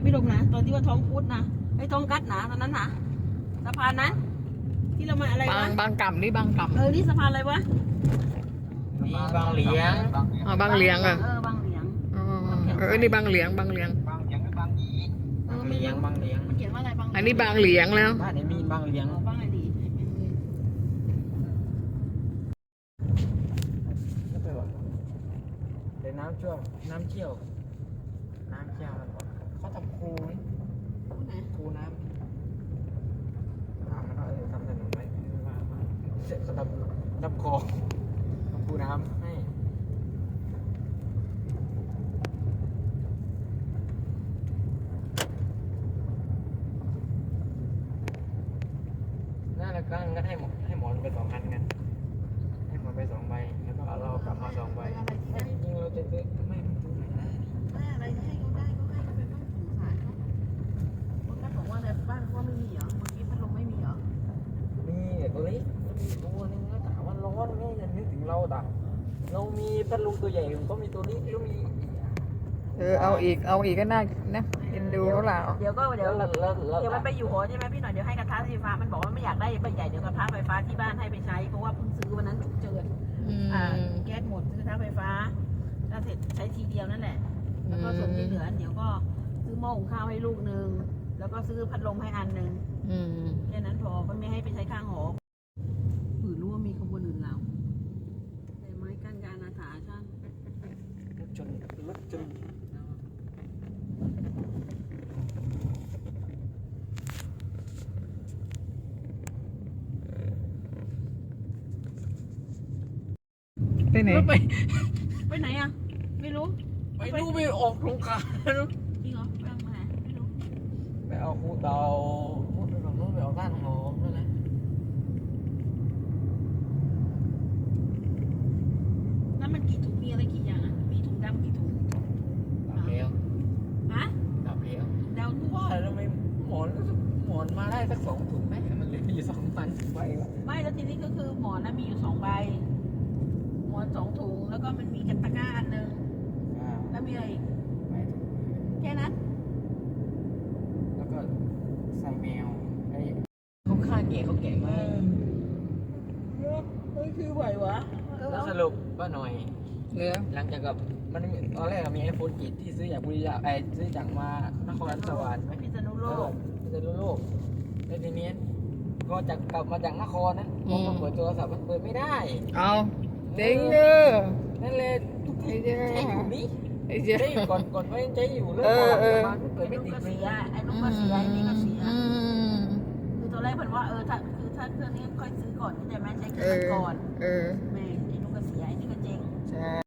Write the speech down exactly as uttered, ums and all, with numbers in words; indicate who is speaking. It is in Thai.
Speaker 1: พี่ลงนะตอนที่ว่าท้องพุดนะไอ้ท้องกัดนะตอนนั้นนะสะพานนั้นที่เรามาอะไร
Speaker 2: บาว
Speaker 1: ะ
Speaker 2: งบางกำนี่บางกำ
Speaker 1: เออนี่สะพานอะไรวะ
Speaker 3: มีบางเหลียง
Speaker 2: อ๋อบางเหลียงอ่ะ
Speaker 1: เออบางเหลียง
Speaker 2: อ๋อเออนี่บางเหลียงบางเหลียง
Speaker 3: บางเหลียงกับบางหยีบางเหลียงบางเหลียง
Speaker 1: มันเขียนว่าอะไรบาง
Speaker 2: อันนี้บางเหลียงแล้ว
Speaker 3: บ้านไหนมีบางเหลียง
Speaker 1: อ๋อบางอะไรดี
Speaker 3: ก็ไปว่าเดี๋ยวน้ำช่วงน้ำเชี่ยวน้ำเชี่ยวมันบอกเขาทำคูนี่คูน้ำถามมันว่าเออทำถนนไหมว่าเขาทำทำคลองทำคูน้ำให้น่าแล้วก็งั้นให้หมอให้หมอนไปสองอันกันให้หมอนไปสองใบแล้วก็เอาเรากลับมาสองใบจริงๆเราจะซื้อไม่ซื้อไหนได้
Speaker 1: ได้อะไรที่ให้เขาได้ก็ให้เขาไปบ้างสงสารเขาคนก็บอกว่าในบ้านก็ไม่มีเหรอเมื่อกี้พัดลมไม่มีเหรอ
Speaker 3: มีแต่ตัวเล็กมันมีตัวนึงแล้วถามว่าร้อนไหมจะนึกถึงเราแต่เรามีพัดลมตัวใหญ่ก็มีตัวนี้ก็มี
Speaker 2: เออเอาอีกเอาอีกก็น่านะเอ็นดูเขาล่ะ
Speaker 1: เดี๋ยวก็เดี๋
Speaker 3: แล้
Speaker 1: ยว ว
Speaker 3: แล้วแล้ว
Speaker 1: เดี๋ยวมันไปอยู่หอใช่ไหมพี่หน่อยเดี๋ยวให้กระทะไฟฟ้ามันบอกว่าไม่อยากได้ใบใหญ่เดี๋ยวกระทะไฟฟ้าที่บ้านให้ไปใช้เพราะว่าเพิ่งซื้อวันนั้นฉุกเฉิน
Speaker 2: อืม
Speaker 1: อ่าแก๊สหมดซื้อกระทะไฟฟ้าถ้าเสร็จใช้ทีเดียวนั่นแหละแล้วก็ส่วนที่เหลือเดี๋ยวก็ซื้อหม้อหุงข้าวให้ลูกนึงแล้วก็ซื้อพัดลมให้อันนึง
Speaker 2: อืม
Speaker 1: แค่นั้นพอก็ไม่ให้ไปใช้ข้างหอหือรู้ว่ามีขบวนอื่นเราแต่ไม้กั้นการอาถาช่าง
Speaker 3: รถจนรถจน
Speaker 2: ไปไหน
Speaker 1: ไปไปไหนอ่ะไม่รู้
Speaker 3: ไปดูไปออกโครงการ
Speaker 1: จริงเหรอไปทางไหนไม่รู้
Speaker 3: ไปเอาคูเตาพูดไปฝั่งนู้นไปเอาบ้านหอมนั่นแหละ
Speaker 1: นั่นมันกี่ถุงมีอะไรกี่อย่างอ่ะมีถุงดำกี่ถุง
Speaker 3: ดับแล้ว
Speaker 1: ฮะ
Speaker 3: ดับแล้ว
Speaker 1: เดาทุก
Speaker 3: ว่าทำไมหมอนหมอนมาได้สักสองถุงไหมมันเหลืออยู่สองพันไปวะ
Speaker 1: ไม่แล้วทีนี้ก็คือหมอนนะมีอยู่สองใบหมอนสองถุงแล้วก็มันมีกระตะกร้าอันหนึ่ง
Speaker 3: อ่า
Speaker 1: แล้วมีอะไรอีก
Speaker 3: ไปถุง
Speaker 1: แค่นั้น
Speaker 3: แล้วก็ใส่แมวไอ้เขาฆ่าเก๋เขาเก่งมาก
Speaker 1: เฮ้ยคือไหววะ
Speaker 3: แล้วสรุปว่าหน่อย
Speaker 2: เหลือ
Speaker 3: หลังจากกับมันมีตอนแรกอะมีไอโฟนกีดที่ซื้อจากบุรีรัมย์ไอซื้อจากมานครสวรรค์ไหม
Speaker 1: พิษณุโลก
Speaker 3: พิษณุโลกแล้วทีนี้ก็จากกลับมาจากนครนะพอมาเปิดโทรศัพท์มันเปิดไม่ได้
Speaker 2: เอาเด้งเด้อ
Speaker 3: นั่นเลยทุกทีใช้อยู่นี่
Speaker 2: ไอ้เจ้า
Speaker 3: ใช้อยู่ก่อนก่อนไว้ยังใช้อยู่แล้ว
Speaker 2: เอ
Speaker 3: พอ
Speaker 2: อ
Speaker 3: หลัง
Speaker 2: เออ
Speaker 3: จากมาเปิด
Speaker 1: ไอ้
Speaker 3: ไม่
Speaker 1: ลูก
Speaker 3: ติด
Speaker 1: ก็
Speaker 3: เล
Speaker 1: เสี
Speaker 3: ย
Speaker 1: ยไอ้ลูกก็เสียไอ้นี่ก็เสีย
Speaker 2: อืม
Speaker 1: คือตอนแรกเพิ่นว่าเออถ้าคือถ้าเครื่องนี้ค่อยซื้อก่อนที่จะแม่ใช้เค
Speaker 2: เอ
Speaker 1: รื่อง
Speaker 2: อ
Speaker 1: ก่อน
Speaker 2: เออ
Speaker 1: แม่ไอ้ลูกก็เสียไอ้นี่ก็เจ๊ง
Speaker 2: ใช่